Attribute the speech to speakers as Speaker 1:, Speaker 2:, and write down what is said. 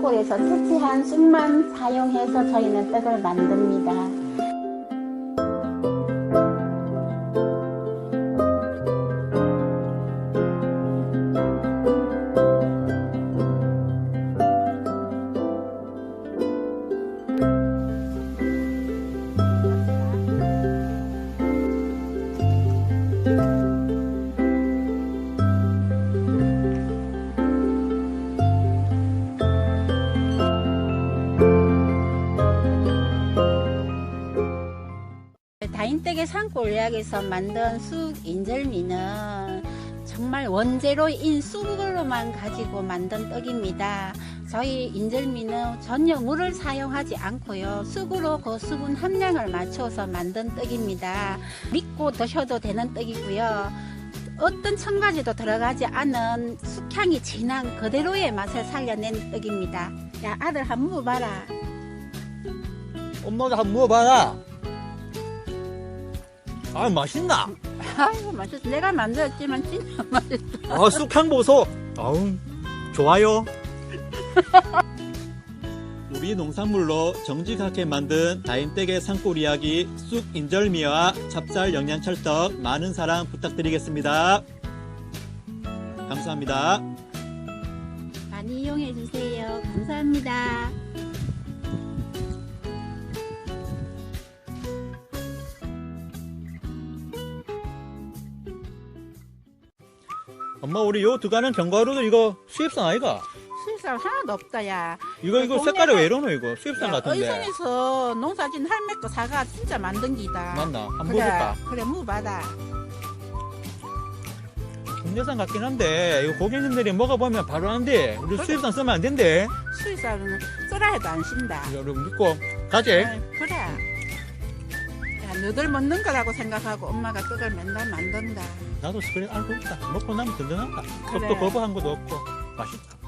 Speaker 1: 산골에서 채취한 쑥만 사용해서 저희는 떡을 만듭니다. 다인댁의 산골약에서 만든 쑥 인절미는 정말 원재료인 쑥으로만 가지고 만든 떡입니다. 저희 인절미는 전혀 물을 사용하지 않고요. 쑥으로 그 수분 함량을 맞춰서 만든 떡입니다. 믿고 드셔도 되는 떡이고요. 어떤 첨가지도 들어가지 않은 쑥향이 진한 그대로의 맛을 살려낸 떡입니다. 야, 아들 한번 먹어봐라.
Speaker 2: 엄마도 한번 먹어봐라. 아, 맛있나?
Speaker 1: 아이고 맛있어. 내가 만들었지만 진짜 맛있어.
Speaker 2: 아, 쑥향 보소. 아우, 좋아요. 우리 농산물로 정직하게 만든 다인댁의 산골 이야기 쑥 인절미와 찹쌀 영양철떡 많은 사랑 부탁드리겠습니다. 감사합니다.
Speaker 1: 많이 이용해 주세요. 감사합니다.
Speaker 2: 엄마, 우리 요 두가는 견과류도 이거 수입산 아이가?
Speaker 1: 수입산 하나도 없다, 야.
Speaker 2: 이거 색깔이 왜 이러노 이거? 수입산 같은데.
Speaker 1: 의성에서 농사진 할매 거 사가 진짜 만든 기다.
Speaker 2: 맞나? 한번
Speaker 1: 그래,
Speaker 2: 먹어볼까?
Speaker 1: 그래, 무받아.
Speaker 2: 국내산 같긴 한데 이거 고객님들이 먹어보면 바로 아는데 우리 수입산 쓰면 안 된대.
Speaker 1: 수입산은 쓰라 해도 안 신다.
Speaker 2: 여러분 믿고 가지.
Speaker 1: 그래. 야, 너들 먹는 거라고 생각하고 엄마가 떡을 맨날 만든다.
Speaker 2: 나도 그래 알고 있다. 먹고 나면 든든하다.
Speaker 1: 그래.
Speaker 2: 떡도 거부한 것도 없고 맛있다.